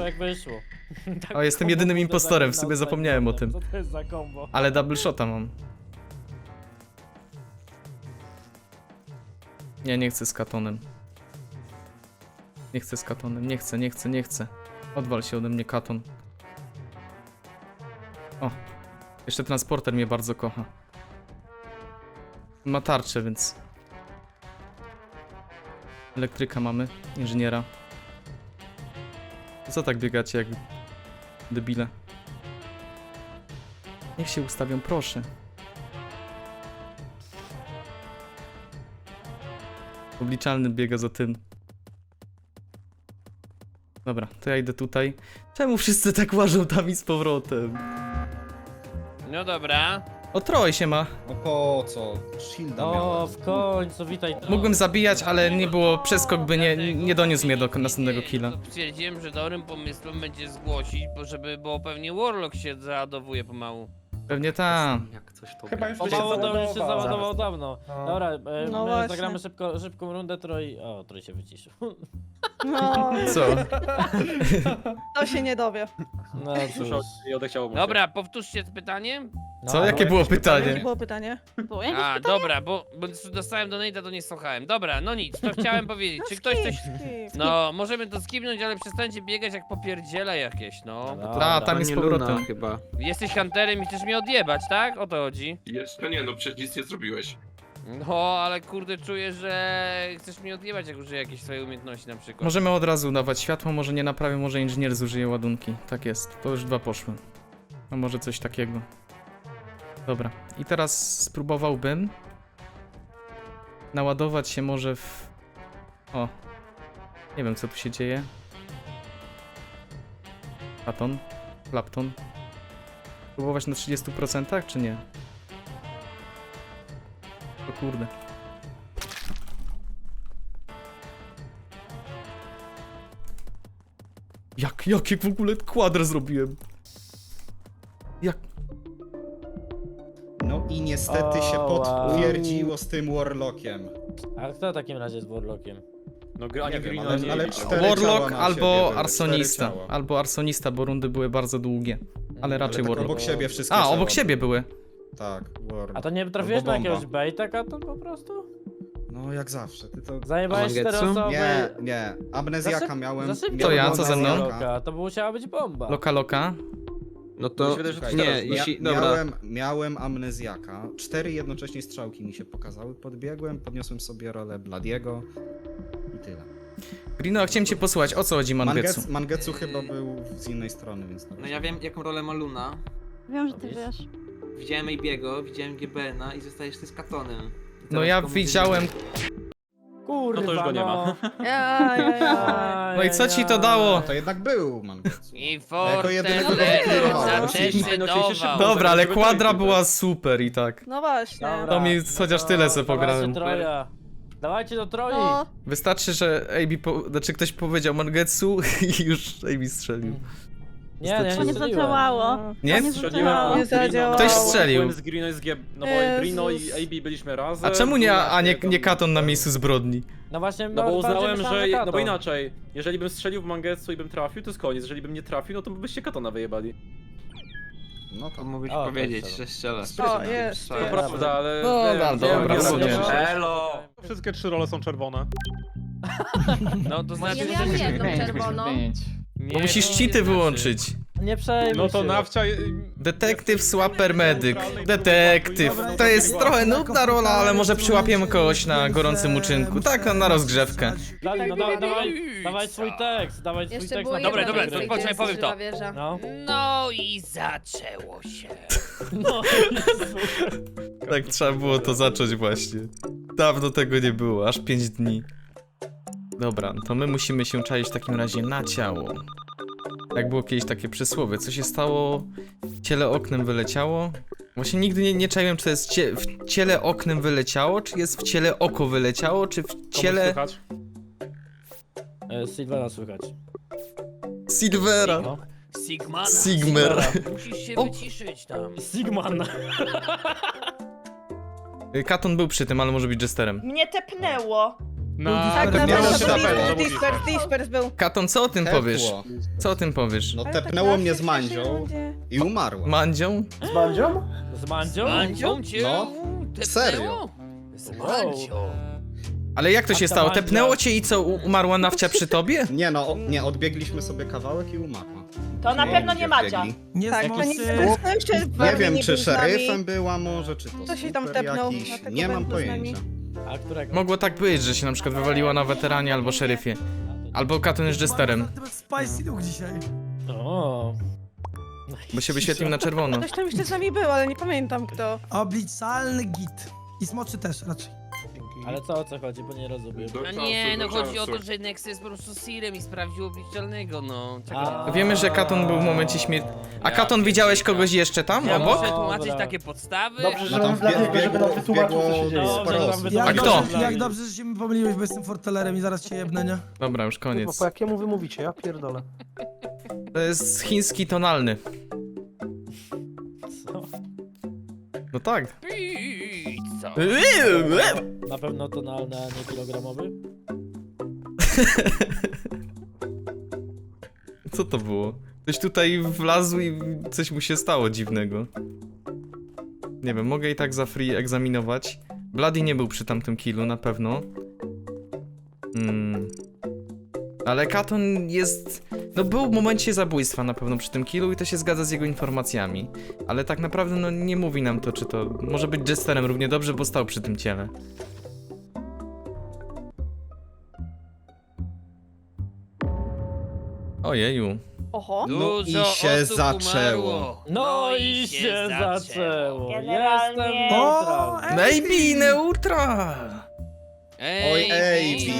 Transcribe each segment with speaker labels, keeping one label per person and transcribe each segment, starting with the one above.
Speaker 1: jak wyszło. Tak
Speaker 2: O, jestem
Speaker 1: kombo
Speaker 2: jedynym
Speaker 1: kurde
Speaker 2: impostorem, w
Speaker 1: zaginał
Speaker 2: sobie
Speaker 1: z
Speaker 2: zapomniałem o tym.
Speaker 1: Co to jest za kombo?
Speaker 2: Ale double shota mam. Nie chcę z katonem. Nie chcę z katonem, nie chcę. Odwal się ode mnie, katon. O, jeszcze transporter mnie bardzo kocha. Ma tarczę, więc... Elektryka mamy, inżyniera. Co tak biegacie jak debile? Niech się ustawią, proszę. Obliczalny biega za tym. Dobra, to ja idę tutaj. Czemu wszyscy tak łażą tam i z powrotem?
Speaker 3: No dobra.
Speaker 2: O, Troj się ma.
Speaker 4: No po co? Shielda
Speaker 1: O,
Speaker 4: miałem.
Speaker 1: w końcu, witaj.
Speaker 2: Mógłbym zabijać, ale nie było przeskok, by nie doniósł mnie do następnego killa.
Speaker 3: Stwierdziłem, że dobrym pomysłem będzie zgłosić, bo pewnie Warlock się załadowuje pomału.
Speaker 2: Pewnie tam.
Speaker 5: Jak coś to
Speaker 6: Chyba już
Speaker 1: O,
Speaker 6: by się
Speaker 1: mało to już się
Speaker 6: załadował.
Speaker 1: załadował dawno.
Speaker 6: No.
Speaker 1: Dobra,
Speaker 7: No
Speaker 1: my
Speaker 7: właśnie.
Speaker 1: zagramy szybką rundę, Troj... O, Troj się wyciszył.
Speaker 7: No,
Speaker 2: Co?
Speaker 7: to się nie dowie.
Speaker 1: No cóż.
Speaker 5: I odechciało mu się.
Speaker 3: Dobra, powtórzcie powtanie.
Speaker 2: Co?
Speaker 1: No,
Speaker 2: Jakie było
Speaker 7: Jakie
Speaker 2: pytanie?
Speaker 7: było pytanie?
Speaker 8: Było jakieś
Speaker 3: A,
Speaker 8: pytanie?
Speaker 3: dobra, bo dostałem donate'a, to nie słuchałem. Dobra, no nic, to chciałem powiedzieć. Czy ktoś coś...
Speaker 7: Skip.
Speaker 3: No, możemy to skipnąć, ale przestańcie biegać jak popierdziela jakieś, no.
Speaker 1: Dobra.
Speaker 2: Ta, tam jest z powrotem.
Speaker 5: chyba.
Speaker 3: Jesteś hunterem i chcesz mnie odjebać, tak? O to chodzi.
Speaker 9: Jeszcze nie, no przecież nic nie zrobiłeś.
Speaker 3: No, ale kurde, czuję, że chcesz mnie odjebać, jak użyję jakieś swojej umiejętności na przykład.
Speaker 2: Możemy od razu dawać światło, może nie naprawię, może inżynier zużyje ładunki. Tak jest, to już 2 poszły. A może coś takiego. Dobra, i teraz spróbowałbym naładować się może w... O, nie wiem co tu się dzieje. Platon, Clapton. Próbować na 30% czy nie? O kurde. Jaki w ogóle kwadr zrobiłem? Jak?
Speaker 4: No i niestety się
Speaker 1: O, wow.
Speaker 4: potwierdziło z tym Warlockiem.
Speaker 1: A kto w takim razie jest Warlockiem?
Speaker 5: No
Speaker 4: Nie wiem,
Speaker 5: Green,
Speaker 4: ale- ale
Speaker 5: nie
Speaker 4: cztery ciała
Speaker 2: Warlock
Speaker 4: na
Speaker 2: albo
Speaker 4: siebie były,
Speaker 2: arsonista.
Speaker 4: 4 ciała.
Speaker 2: Albo arsonista, bo rundy były bardzo długie. Ale raczej
Speaker 4: tak
Speaker 2: Warlock.
Speaker 4: obok siebie wszystkie
Speaker 2: A,
Speaker 4: ciała
Speaker 2: obok siebie były.
Speaker 4: Tak, Warlock.
Speaker 1: A to nie trafiłeś na
Speaker 4: Albo
Speaker 1: jakiegoś
Speaker 4: bomba.
Speaker 1: baita, Katon, po prostu?
Speaker 4: No jak zawsze, ty to...
Speaker 1: Zajebałeś 4
Speaker 5: Mangetsu?
Speaker 1: osoby.
Speaker 4: Nie, amnezjaka
Speaker 1: Za
Speaker 4: miałem.
Speaker 1: szybko
Speaker 2: To ja,
Speaker 1: było
Speaker 2: co ze mną?
Speaker 1: Warlocka, to musiała być bomba.
Speaker 2: Loka.
Speaker 5: No to...
Speaker 4: Słuchaj,
Speaker 5: Nie,
Speaker 4: teraz
Speaker 5: jeśli...
Speaker 4: ja,
Speaker 5: Dobra.
Speaker 4: miałem amnezjaka. 4 jednocześnie strzałki mi się pokazały. Podbiegłem, podniosłem sobie rolę Bladiego i tyle.
Speaker 2: Grino, chciałem cię posłuchać, o co chodzi Mangetsu?
Speaker 4: Mangetsu chyba był z innej strony, więc...
Speaker 10: No ja wiem jaką rolę ma Luna.
Speaker 8: Wiem, że ty wiesz.
Speaker 10: Widziałem Ejbiego, widziałem GBN-a i zostajesz ty z Katonem. I
Speaker 2: No
Speaker 10: teraz
Speaker 2: ja
Speaker 10: komu
Speaker 2: widziałem...
Speaker 1: Kurwa,
Speaker 5: No to już go nie ma.
Speaker 7: Ja.
Speaker 2: No i co ci to dało?
Speaker 4: To jednak był Mangetsu.
Speaker 3: I
Speaker 4: jako jedynego
Speaker 3: Fortnite
Speaker 4: kontrolowałem.
Speaker 3: zadecydował.
Speaker 2: Dobra, ale kwadra była super i tak.
Speaker 7: No właśnie.
Speaker 1: Dobra.
Speaker 2: To mi chociaż tyle se pograłem.
Speaker 1: Dawajcie Troja. Dawajcie do Troi.
Speaker 7: No,
Speaker 2: Wystarczy, że znaczy ktoś powiedział Mangetsu i już AB strzelił.
Speaker 1: Nie
Speaker 8: To nie
Speaker 1: strzeliłem.
Speaker 8: zadziałało.
Speaker 2: Nie?
Speaker 8: To nie
Speaker 5: Strzeliłem
Speaker 8: zadziałało.
Speaker 7: Nie zadziałało.
Speaker 2: Ktoś strzelił.
Speaker 5: Byłem z Grino i z G... No bo
Speaker 7: Jezus.
Speaker 5: Grino i AB byliśmy razem.
Speaker 2: A czemu nie
Speaker 5: tam-
Speaker 2: Katon na miejscu zbrodni?
Speaker 1: No właśnie,
Speaker 5: No bo uznałem, że... No bo
Speaker 1: Katon.
Speaker 5: inaczej, jeżeli bym strzelił w Mangetsu i bym trafił, to jest koniec. Jeżeli bym nie trafił, no to byście Katona wyjebali.
Speaker 4: No
Speaker 10: To
Speaker 4: to...
Speaker 10: mógłbyś
Speaker 1: O,
Speaker 10: powiedzieć,
Speaker 1: to
Speaker 10: że strzelę.
Speaker 7: O, jest.
Speaker 5: To prawda, ale...
Speaker 2: No,
Speaker 5: nie,
Speaker 2: dobra,
Speaker 5: nie,
Speaker 2: rozumiem.
Speaker 6: Elo! Wszystkie 3 role są czerwone.
Speaker 3: No to znaczy,
Speaker 8: Ja miałam jedną czerwoną.
Speaker 3: Nie,
Speaker 2: Bo musisz
Speaker 3: to
Speaker 2: cheaty
Speaker 3: nie
Speaker 2: wyłączyć.
Speaker 1: Nie przejmuj
Speaker 6: No to
Speaker 1: się.
Speaker 6: nawcia...
Speaker 2: Detektyw, swapper, medyk. Detektyw. To jest trochę nudna rola, ale może przyłapiemy kogoś na gorącym uczynku. Tak, na rozgrzewkę.
Speaker 1: Dali, no
Speaker 8: Tak,
Speaker 1: dawaj swój tekst, dawaj swój
Speaker 8: Jeszcze
Speaker 1: tekst.
Speaker 8: było
Speaker 1: na
Speaker 3: Dobra,
Speaker 8: jedno
Speaker 3: dobra,
Speaker 8: miejsce,
Speaker 3: to
Speaker 8: gdzie
Speaker 3: poczekaj,
Speaker 8: jest
Speaker 3: powiem to.
Speaker 8: żywa wieża.
Speaker 1: No.
Speaker 3: No i zaczęło się.
Speaker 1: No,
Speaker 2: Tak trzeba było to zacząć właśnie. Dawno tego nie było, aż 5 dni. Dobra, to my musimy się czaić w takim razie na ciało. Jak było kiedyś takie przysłowie, co się stało, w ciele oknem wyleciało? Właśnie nigdy nie czaiłem, czy to jest w ciele oknem wyleciało, czy jest w ciele oko wyleciało, czy w
Speaker 5: Komuś
Speaker 2: ciele
Speaker 5: słychać?
Speaker 1: Sylwera słychać.
Speaker 2: Silvera.
Speaker 1: No.
Speaker 3: Sigmana.
Speaker 2: Sigmer.
Speaker 3: Musisz się
Speaker 2: O.
Speaker 3: wyciszyć tam.
Speaker 1: Sigman.
Speaker 2: Katon był przy tym, ale może być jesterem.
Speaker 7: Mnie tepnęło. Tak,
Speaker 4: to
Speaker 7: na
Speaker 4: miało
Speaker 7: pewno
Speaker 4: się
Speaker 7: to
Speaker 4: na
Speaker 7: Dispers był.
Speaker 2: Katon, co o tym powiesz?
Speaker 4: Tepło.
Speaker 2: Co o tym powiesz?
Speaker 4: No
Speaker 7: Ale tak
Speaker 4: tepnęło
Speaker 7: na
Speaker 4: mnie z
Speaker 7: pierwszej
Speaker 4: Mandzią
Speaker 7: rundzie.
Speaker 4: i umarła.
Speaker 2: Mandzią?
Speaker 1: Z Mandzią?
Speaker 3: Mandzią cię
Speaker 4: No,
Speaker 3: tepnęło?
Speaker 4: serio.
Speaker 3: Z
Speaker 1: Wow.
Speaker 3: Mandzią.
Speaker 2: Ale jak to się
Speaker 1: A ta
Speaker 2: stało?
Speaker 1: Mandzia-
Speaker 2: Tepnęło cię i co, umarła nawcia przy tobie?
Speaker 4: Nie no, nie, odbiegliśmy sobie kawałek i umarła.
Speaker 11: To na pewno nie Madzia.
Speaker 6: Nie
Speaker 7: Tak,
Speaker 6: smocy.
Speaker 7: to nic no jeszcze z
Speaker 4: Nie
Speaker 7: Barbie
Speaker 4: wiem,
Speaker 7: nie
Speaker 4: czy
Speaker 7: był z nami.
Speaker 4: szeryfem była może, czy to
Speaker 7: Kto się tam
Speaker 4: super
Speaker 7: tepnął?
Speaker 4: jakiś,
Speaker 7: Dlatego
Speaker 4: nie mam
Speaker 7: był z nami.
Speaker 4: pojęcia.
Speaker 1: A którego?
Speaker 2: Mogło tak być, że się na przykład wywaliła na weteranie albo szeryfie. Albo Katon jest jesterem,
Speaker 6: Spicy Luke dzisiaj.
Speaker 1: O.
Speaker 2: bo się wyświetlił na czerwono.
Speaker 7: Ktoś tam jeszcze z nami był, ale nie pamiętam kto.
Speaker 6: Obliczalny git. I smoczy też raczej.
Speaker 1: Ale co, o co chodzi, bo nie rozumiem.
Speaker 9: Do
Speaker 3: A
Speaker 9: czasu,
Speaker 3: nie, no
Speaker 9: do
Speaker 3: chodzi o
Speaker 9: czasu.
Speaker 3: to, że Nexe jest po prostu Sirem i sprawdził obliczalnego, no.
Speaker 1: A.
Speaker 2: Wiemy, że Katon był w momencie śmierci. A
Speaker 3: Ja
Speaker 2: Katon, widziałeś
Speaker 3: pierdzielę.
Speaker 2: kogoś jeszcze tam,
Speaker 3: Ja
Speaker 2: obok?
Speaker 3: muszę tłumaczyć
Speaker 1: Dobra.
Speaker 3: takie podstawy.
Speaker 12: Dobrze,
Speaker 4: No
Speaker 12: że
Speaker 4: tam
Speaker 12: mam dlatego, żeby nam wytłumaczył, co się dzieje.
Speaker 1: Dobrze,
Speaker 4: sporo
Speaker 1: że
Speaker 4: osób.
Speaker 1: wam
Speaker 6: Jak
Speaker 2: kto?
Speaker 6: dobrze, jak dobrze, że się mi pomyliłeś, bo jestem fortelerem i zaraz cię jebnę, nie?
Speaker 2: Dobra, już
Speaker 12: Kurwa,
Speaker 2: koniec.
Speaker 12: po jakiemu wy mówicie? Ja pierdolę.
Speaker 2: To jest chiński tonalny.
Speaker 1: Co?
Speaker 2: No tak.
Speaker 3: Pizza.
Speaker 1: Na pewno tonalny, a nie kilogramowy?
Speaker 2: Co to było? Ktoś tutaj wlazł i coś mu się stało dziwnego. Nie wiem, mogę i tak za free egzaminować. Bloody nie był przy tamtym killu, na pewno. Ale Katon jest... No był w momencie zabójstwa na pewno przy tym killu i to się zgadza z jego informacjami. Ale tak naprawdę no nie mówi nam to, czy to... Może być jesterem równie dobrze, bo stał przy tym ciele. Ojeju.
Speaker 7: Oho.
Speaker 4: No i
Speaker 3: Dużo
Speaker 4: się
Speaker 3: osób
Speaker 4: zaczęło.
Speaker 3: umarło.
Speaker 1: No i się zaczęło.
Speaker 11: Generalnie-
Speaker 1: Jestem
Speaker 6: O,
Speaker 1: neutral.
Speaker 2: Maybe neutral!
Speaker 4: Oj,
Speaker 6: Czyli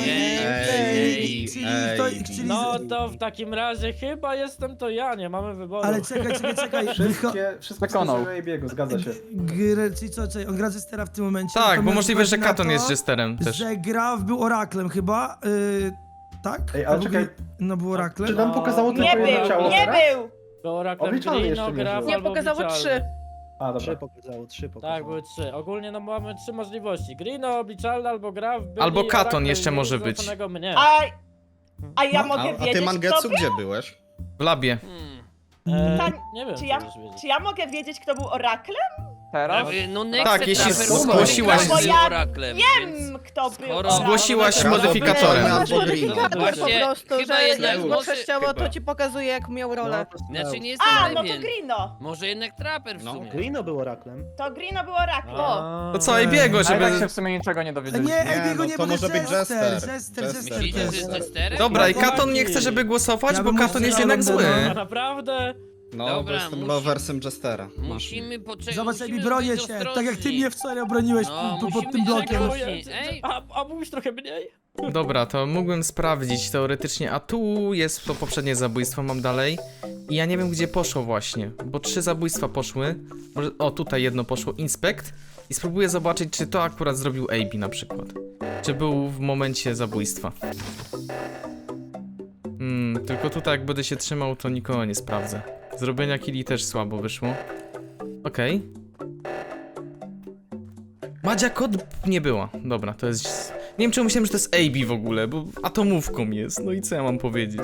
Speaker 6: to, czyli...
Speaker 1: No to w takim razie chyba jestem to ja, nie mamy wyboru.
Speaker 6: Ale czekaj.
Speaker 12: Wszystko wskazuje Ejbiego, zgadza się.
Speaker 6: Czyli co, on gra Jestera w tym momencie?
Speaker 2: Tak,
Speaker 6: To
Speaker 2: bo
Speaker 6: może
Speaker 2: możliwe, że
Speaker 6: wychodzi na
Speaker 2: Katon
Speaker 6: to,
Speaker 2: jest jesterem też.
Speaker 6: Że był oraklem chyba, tak?
Speaker 12: Ej, ale czekaj.
Speaker 6: No był oraklem.
Speaker 12: Czy nam pokazało
Speaker 11: Nie
Speaker 12: tylko jedno ciało
Speaker 11: był, nie
Speaker 12: teraz?
Speaker 11: był!
Speaker 1: Było Raklem
Speaker 12: Obliczalny
Speaker 1: Green,
Speaker 12: jeszcze nie
Speaker 1: Graf
Speaker 12: żył.
Speaker 7: Nie,
Speaker 1: albo
Speaker 7: pokazało
Speaker 1: obliczalny.
Speaker 7: 3.
Speaker 12: A, dobra.
Speaker 1: Tak, były 3. Ogólnie no mamy 3 możliwości. Green, obliczalny albo Graf, byli
Speaker 2: Albo Katon
Speaker 1: Oracle
Speaker 2: jeszcze
Speaker 1: i
Speaker 2: może być.
Speaker 1: złapanego mnie.
Speaker 11: A ja
Speaker 6: No,
Speaker 11: mogę
Speaker 4: A ty
Speaker 11: wiedzieć, kto
Speaker 4: Mangetsu
Speaker 11: był?
Speaker 4: gdzie byłeś?
Speaker 2: W labie.
Speaker 1: Nie wiem,
Speaker 11: Czy
Speaker 1: co
Speaker 11: ja-
Speaker 1: możesz wiedzieć.
Speaker 11: Czy ja mogę wiedzieć, kto był oraklem?
Speaker 12: Teraz?
Speaker 3: No Nexe
Speaker 2: Tak, jeśli
Speaker 3: Trapper
Speaker 2: zgłosiłaś-
Speaker 3: był
Speaker 11: No bo ja
Speaker 3: oraklem, więc...
Speaker 11: Wiem, kto był
Speaker 3: Skoro-
Speaker 11: oraklem.
Speaker 2: Zgłosiłaś
Speaker 4: Dobra,
Speaker 2: modyfikatorem.
Speaker 4: dobra.
Speaker 7: Masz modyfikator po
Speaker 3: Właśnie,
Speaker 7: prostu,
Speaker 3: chyba
Speaker 7: że
Speaker 3: jednak
Speaker 7: jak zgłaszasz
Speaker 3: może-
Speaker 7: ciało, to
Speaker 9: chyba.
Speaker 7: ci pokazuje jak miał rolę.
Speaker 3: Znaczy nie jestem
Speaker 11: A, no to
Speaker 3: pewien.
Speaker 11: Grino.
Speaker 3: Może jednak Trapper w
Speaker 4: No.
Speaker 3: sumie.
Speaker 12: Grino był oraklem.
Speaker 11: To Grino był oraklem.
Speaker 2: To co, Ejbiego, żeby...
Speaker 12: w sumie niczego nie
Speaker 6: Nie,
Speaker 12: dowiedzieliśmy.
Speaker 6: Ejbiego
Speaker 4: no
Speaker 6: nie,
Speaker 4: to
Speaker 6: bo
Speaker 4: może być Jester.
Speaker 6: Jester
Speaker 3: Myślicie, że
Speaker 6: też.
Speaker 3: jest Jesterem?
Speaker 2: Dobra, i
Speaker 1: Chłopaki.
Speaker 2: Katon nie chce, żeby głosować,
Speaker 6: Ja
Speaker 2: bo
Speaker 6: bym
Speaker 2: Katon jest
Speaker 6: strzelał
Speaker 2: jednak
Speaker 6: Londona.
Speaker 2: zły.
Speaker 1: A naprawdę?
Speaker 4: No,
Speaker 3: Dobra,
Speaker 4: bo jestem
Speaker 3: musi-
Speaker 4: loversem Jestera. Masz.
Speaker 3: Musimy poczekać.
Speaker 6: Zobacz,
Speaker 3: musimy
Speaker 6: Ejbi, bronię
Speaker 3: być
Speaker 6: cię,
Speaker 3: ostrożni.
Speaker 6: tak jak ty mnie wczoraj obroniłeś
Speaker 3: No,
Speaker 6: pod
Speaker 3: musimy
Speaker 6: tym blokiem.
Speaker 3: czekać. Ej.
Speaker 1: A mówisz trochę mniej?
Speaker 2: Dobra, to mógłbym sprawdzić teoretycznie, a tu jest to poprzednie zabójstwo, mam dalej. I ja nie wiem, gdzie poszło właśnie, bo 3 zabójstwa poszły. Może, o, tutaj jedno poszło, Inspect. I spróbuję zobaczyć, czy to akurat zrobił AB na przykład. Czy był w momencie zabójstwa. Tylko tutaj jak będę się trzymał, to nikogo nie sprawdzę. Zrobienia killi też słabo wyszło. Okej. Madzia Kod nie była. Dobra, to jest... Nie wiem, czy myślałem, że to jest AB w ogóle, bo atomówką jest. No i co ja mam powiedzieć?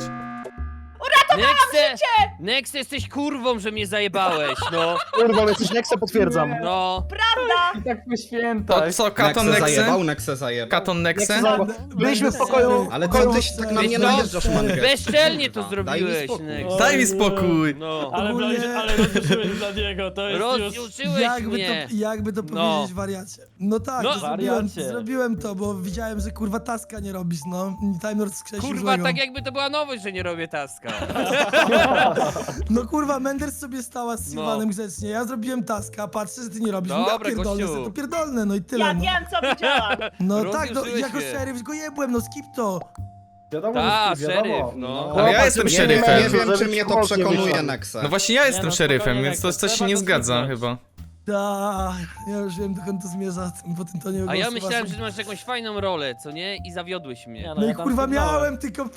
Speaker 3: Nexe, jesteś kurwą, że mnie zajebałeś, no.
Speaker 12: Kurwa, ale jesteś Nexa, potwierdzam.
Speaker 3: No.
Speaker 11: Prawda?
Speaker 12: I tak były święta.
Speaker 2: To co, Katon
Speaker 4: Nexe
Speaker 2: Nexe?
Speaker 4: zajebał, Nexe zajebał.
Speaker 2: Katon Nexe?
Speaker 12: Byliśmy w pokoju.
Speaker 4: Ale co tyś tak na mnie najeżdżasz, Mangetsu?
Speaker 3: Bezczelnie to
Speaker 4: Kurwa, daj mi
Speaker 3: zrobiłeś,
Speaker 4: spokój.
Speaker 3: Nexe.
Speaker 2: Daj mi spokój!
Speaker 3: No.
Speaker 1: Ale,
Speaker 6: Ogólnie-
Speaker 1: ale rozruszyłeś dla niego, to jest już...
Speaker 3: Rozjuczyłeś mnie.
Speaker 6: Jakby to
Speaker 3: No.
Speaker 6: powiedzieć, wariacie. No tak,
Speaker 3: No.
Speaker 6: to
Speaker 1: Wariacie.
Speaker 6: zrobiłem to, bo widziałem, że kurwa taska nie robisz, no. Time Lord skrzesił
Speaker 3: Kurwa,
Speaker 6: złego.
Speaker 3: tak jakby to była nowość, że nie robię taska.
Speaker 6: No kurwa, Menders sobie stała z Sylwanem grzecznie, ja zrobiłem taska, patrzę, że ty nie robisz,
Speaker 3: Dobra,
Speaker 6: ja pierdolę,
Speaker 3: gościu.
Speaker 6: sobie to pierdolne, no i tyle,
Speaker 11: Ja
Speaker 6: no.
Speaker 11: wiem, co widziałam.
Speaker 6: No tak, no,
Speaker 3: Rozjuszyłeś
Speaker 6: jako
Speaker 3: mnie.
Speaker 6: szeryf go jebłem, no skip to.
Speaker 12: Wiadomo,
Speaker 3: Ta,
Speaker 12: że wiadomo.
Speaker 3: szeryf, no.
Speaker 2: Ale ja jestem
Speaker 4: Nie
Speaker 2: szeryfem.
Speaker 4: wiem, czy mnie to przekonuje, Nexe.
Speaker 2: No właśnie ja jestem
Speaker 1: no,
Speaker 2: szeryfem,
Speaker 1: spokojnie,
Speaker 2: więc to
Speaker 1: Nexe,
Speaker 2: coś się
Speaker 1: trzeba
Speaker 2: nie
Speaker 1: go
Speaker 2: zgadza
Speaker 1: słuchać.
Speaker 2: chyba.
Speaker 6: Tak, ja już wiem, dokąd to zmierza po tym tonie
Speaker 3: A ja
Speaker 6: głosu
Speaker 3: myślałem,
Speaker 6: waszym.
Speaker 3: że masz jakąś fajną rolę, co nie? I zawiodłeś mnie.
Speaker 1: Nie,
Speaker 6: No i
Speaker 1: ja tam
Speaker 6: kurwa
Speaker 1: skipnąłem.
Speaker 6: miałem, tylko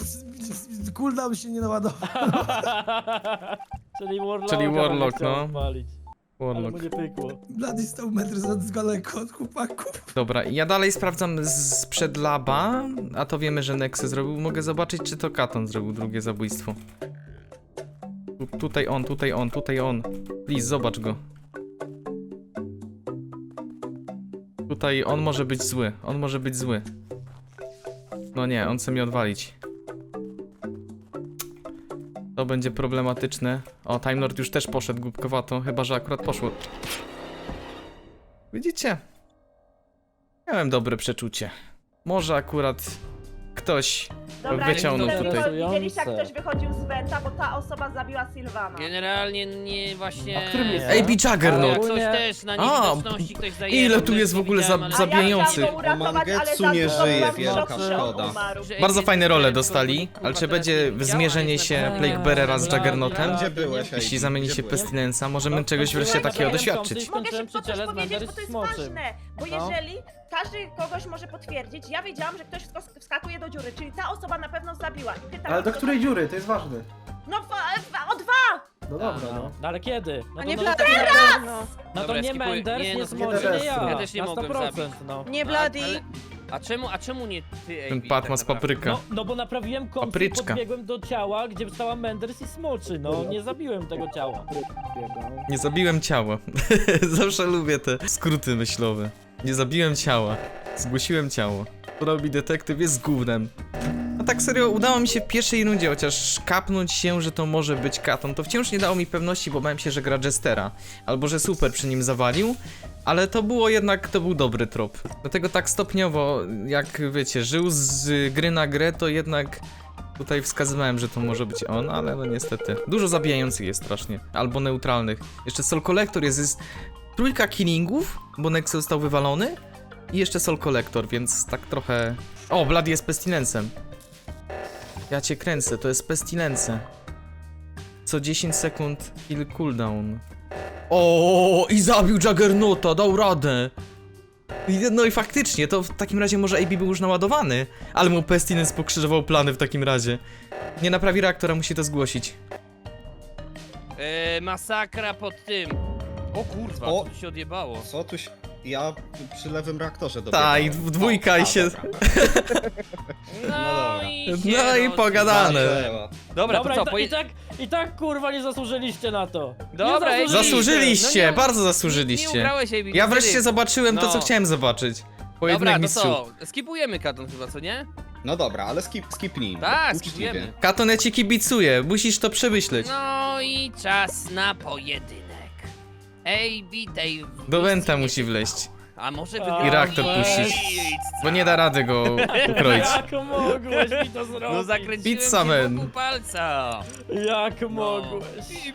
Speaker 6: cooldown się nie naładował.
Speaker 1: Czyli Warlock.
Speaker 2: Czyli Warlock, no.
Speaker 1: Palić. Ale
Speaker 2: Warlock.
Speaker 1: mu nie pykło.
Speaker 6: Blady stał metr z daleko od chłopaków.
Speaker 2: Dobra, ja dalej sprawdzam sprzed laba, a to wiemy, że Nexe zrobił. Mogę zobaczyć, czy to Katon zrobił drugie zabójstwo. Tutaj on, tutaj on, tutaj on. Please, zobacz go. Tutaj on może być zły, on może być zły. No nie, on chce mnie odwalić. To będzie problematyczne. O, Time Lord już też poszedł głupkowato, chyba że akurat poszło. Widzicie? Miałem dobre przeczucie. Może akurat ktoś
Speaker 11: Dobra,
Speaker 2: wyciągnął tutaj.
Speaker 11: Widzieliście, jak ktoś wychodził z Wenta, bo ta osoba zabiła Sylwana.
Speaker 3: Generalnie nie właśnie...
Speaker 12: A którym jest?
Speaker 2: AB Juggernaut!
Speaker 3: Jak
Speaker 1: Ogólnie-
Speaker 3: coś też na
Speaker 2: A,
Speaker 3: niewidoczności ktoś zajebał,
Speaker 2: ile tu
Speaker 3: też
Speaker 2: jest w
Speaker 3: nie
Speaker 2: ogóle
Speaker 3: widziałem, ale-
Speaker 2: zabijających.
Speaker 11: A ja chciałam go uratować, ale
Speaker 4: Mangetsu
Speaker 11: za
Speaker 4: nie
Speaker 11: dużo
Speaker 4: żyje,
Speaker 11: byłam w
Speaker 4: wielka
Speaker 11: szoku, że on
Speaker 4: szkoda.
Speaker 11: umarł.
Speaker 3: Że
Speaker 2: Bardzo
Speaker 3: AB
Speaker 2: fajne role
Speaker 3: tylko,
Speaker 2: dostali,
Speaker 3: kurwa,
Speaker 2: ale czy
Speaker 3: teraz
Speaker 2: będzie
Speaker 3: nie działa,
Speaker 2: zmierzenie
Speaker 3: jest
Speaker 2: się
Speaker 3: tak-
Speaker 2: Plaguebearera z
Speaker 1: Bla,
Speaker 2: Juggernotem?
Speaker 1: bla,
Speaker 4: Gdzie byłeś,
Speaker 2: Jeśli
Speaker 4: Ej?
Speaker 2: zamieni
Speaker 4: Gdzie
Speaker 2: się w
Speaker 4: byłeś?
Speaker 2: Pestilensa, możemy
Speaker 1: No,
Speaker 2: czegoś wreszcie
Speaker 1: byłem
Speaker 2: takiego
Speaker 1: na
Speaker 2: doświadczyć.
Speaker 11: Mogę
Speaker 1: Skończyłem
Speaker 11: szybko coś
Speaker 1: przyjaciele z
Speaker 11: powiedzieć, bo
Speaker 1: Mendery
Speaker 11: to jest
Speaker 1: Smoczym.
Speaker 11: ważne, bo
Speaker 1: No.
Speaker 11: jeżeli każdy kogoś może potwierdzić, ja wiedziałam, że ktoś wskakuje do dziury, czyli ta osoba na pewno zabiła. I pytam,
Speaker 12: Ale do
Speaker 11: kto
Speaker 12: której
Speaker 11: to-
Speaker 12: dziury? To jest ważne.
Speaker 11: No o dwa!
Speaker 12: No dobra, no.
Speaker 1: No ale kiedy? No
Speaker 7: A
Speaker 1: to
Speaker 7: nie
Speaker 1: no,
Speaker 7: Blady, no.
Speaker 1: no to
Speaker 3: Dobra,
Speaker 1: nie
Speaker 3: skipuję.
Speaker 1: Menders,
Speaker 3: Nie,
Speaker 1: nie
Speaker 3: no,
Speaker 1: Smoczy,
Speaker 12: nie
Speaker 1: nie ja.
Speaker 3: Ja też nie
Speaker 1: Na
Speaker 3: mogłem
Speaker 1: 100%,
Speaker 3: zabić.
Speaker 1: no.
Speaker 7: Nie Blady.
Speaker 3: A czemu nie ty, AB?
Speaker 2: Ten Patmas
Speaker 3: tak naprawdę?
Speaker 2: papryka.
Speaker 1: No bo naprawiłem kąt i
Speaker 2: Papryczka.
Speaker 1: podbiegłem do ciała, gdzie stała Menders i Smoczy, no nie zabiłem tego ciała.
Speaker 2: Nie zabiłem ciała. Zawsze lubię te skróty myślowe. Nie zabiłem ciała. Zgłosiłem ciało. To robi detektyw, jest gównem. No tak serio, udało mi się w pierwszej rundzie chociaż kapnąć się, że to może być Katon. To wciąż nie dało mi pewności, bo bałem się, że gra Jestera. Albo że super przy nim zawalił. Ale to było jednak, to był dobry trop. Dlatego tak stopniowo, jak wiecie, żył z gry na grę, to jednak tutaj wskazywałem, że to może być on, ale no niestety. Dużo zabijających jest strasznie. Albo neutralnych. Jeszcze Soul Collector jest trójka killingów, bo Nexe został wywalony. I jeszcze Soul Collector, więc tak trochę... O, Bloody jest Pestilencem. Ja cię kręcę, to jest Pestilence. Co 10 sekund kill cooldown. O, i zabił Juggernauta, dał radę. No i faktycznie, to w takim razie może AB był już naładowany. Ale mu Pestilence pokrzyżował plany w takim razie. Nie naprawi reaktora, musi to zgłosić.
Speaker 3: Masakra pod tym. O kurwa,
Speaker 4: O!
Speaker 3: co tu się odjebało?
Speaker 4: Co tu się... Ja przy lewym reaktorze
Speaker 2: Ta, i
Speaker 4: dobiegłem.
Speaker 2: w dwójka i się...
Speaker 4: dobra.
Speaker 3: No i się
Speaker 2: No i pogadane.
Speaker 3: Dobra, to co,
Speaker 1: i tak kurwa nie zasłużyliście na to.
Speaker 3: Dobra,
Speaker 1: nie
Speaker 2: Zasłużyliście,
Speaker 3: No nie-
Speaker 2: bardzo
Speaker 3: Nie
Speaker 2: zasłużyliście.
Speaker 3: ugrałeś, AB.
Speaker 2: Ja wreszcie zobaczyłem to, co
Speaker 3: No.
Speaker 2: chciałem zobaczyć.
Speaker 3: Dobra,
Speaker 2: Pojedynek
Speaker 3: to
Speaker 2: mistrzów.
Speaker 3: co? Skipujemy Katon chyba, co nie?
Speaker 4: No dobra, ale skipnijmy.
Speaker 3: Tak,
Speaker 4: Uczciwie.
Speaker 3: skipujemy.
Speaker 2: Katon, ja ci kibicuję, musisz to przemyśleć.
Speaker 3: No i czas na pojedynek. AB tej...
Speaker 2: Do Wenta musi wleść,
Speaker 3: A może
Speaker 1: I
Speaker 3: wygrać?
Speaker 2: reaktor puścić. bo nie da rady go ukroić.
Speaker 1: Jak mogłeś mi to zrobić?
Speaker 3: No zakręciłem
Speaker 2: Pizza
Speaker 3: się
Speaker 2: Man.
Speaker 3: wokół palca.
Speaker 1: Jak
Speaker 3: No.
Speaker 1: mogłeś?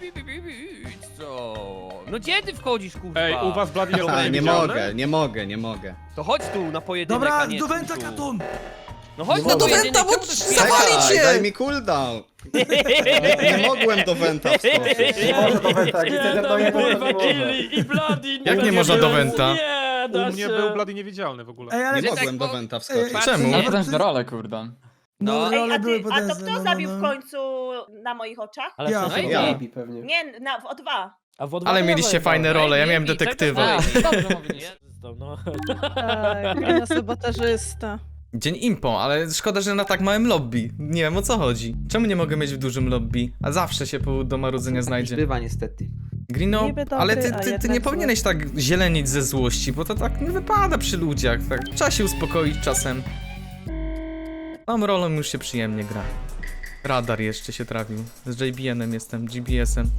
Speaker 3: Co? No gdzie ty wchodzisz, kurwa?
Speaker 5: Ej, u was Bloody jest
Speaker 4: A, nie
Speaker 5: niewidzialny?
Speaker 4: mogę.
Speaker 3: To chodź tu na pojedynek,
Speaker 6: Dobra,
Speaker 3: a nie
Speaker 6: do Wenta
Speaker 3: tu.
Speaker 6: Katon!
Speaker 3: No chodź
Speaker 2: No
Speaker 3: na
Speaker 2: do
Speaker 3: pojedynek,
Speaker 2: Wenta, bo
Speaker 3: czemu ty
Speaker 2: zawali
Speaker 3: śpiewasz?
Speaker 2: cię!
Speaker 4: Daj mi cooldown. Nie mogłem do Wenta wskoczyć.
Speaker 12: Nie może do Wenta, jak
Speaker 1: Nie,
Speaker 12: chcecie do
Speaker 1: tam
Speaker 12: jednego, to
Speaker 1: kurwa
Speaker 12: nie może.
Speaker 1: killi i Bloody.
Speaker 2: Jak nie można do Wenta?
Speaker 1: Nie, da
Speaker 5: U mnie
Speaker 1: się.
Speaker 5: był Bloody niewidzialny w ogóle.
Speaker 6: Ej, ale...
Speaker 4: Nie
Speaker 3: tak,
Speaker 4: mogłem do
Speaker 3: bo-
Speaker 4: Wenta wskoczyć.
Speaker 2: Czemu?
Speaker 6: No,
Speaker 12: Wręcz do role, kurde.
Speaker 6: No,
Speaker 11: Ej,
Speaker 6: role były
Speaker 11: a to
Speaker 6: potężne,
Speaker 11: kto zabił w końcu na moich oczach?
Speaker 1: Ale
Speaker 6: Ja.
Speaker 1: w sensie-
Speaker 4: Ja.
Speaker 12: AB pewnie.
Speaker 11: Nie, w O2.
Speaker 1: A w O2
Speaker 2: Ale
Speaker 1: nie
Speaker 2: mieliście
Speaker 1: ma
Speaker 2: fajne
Speaker 1: Wenta.
Speaker 2: role, ja
Speaker 3: Ej,
Speaker 2: miałem
Speaker 3: nie, czego
Speaker 2: detektywa.
Speaker 3: ty-
Speaker 12: Dobrze mówisz.
Speaker 1: No.
Speaker 7: Tak, na sabotażysta.
Speaker 2: Dzień impo, ale szkoda, że na tak małym lobby. Nie wiem, o co chodzi. Czemu nie mogę mieć w dużym lobby? A zawsze się powód do marudzenia znajdzie.
Speaker 10: Bywa niestety.
Speaker 2: Grino,
Speaker 7: Niby dobry,
Speaker 2: ale
Speaker 7: a
Speaker 2: ty
Speaker 7: jednak
Speaker 2: nie
Speaker 7: zły.
Speaker 2: powinieneś tak zielenić ze złości, bo to tak nie wypada przy ludziach. Tak. Trzeba się uspokoić czasem. Tą rolą już się przyjemnie gra. Radar jeszcze się trafił. Z JBN-em jestem, GBS-em.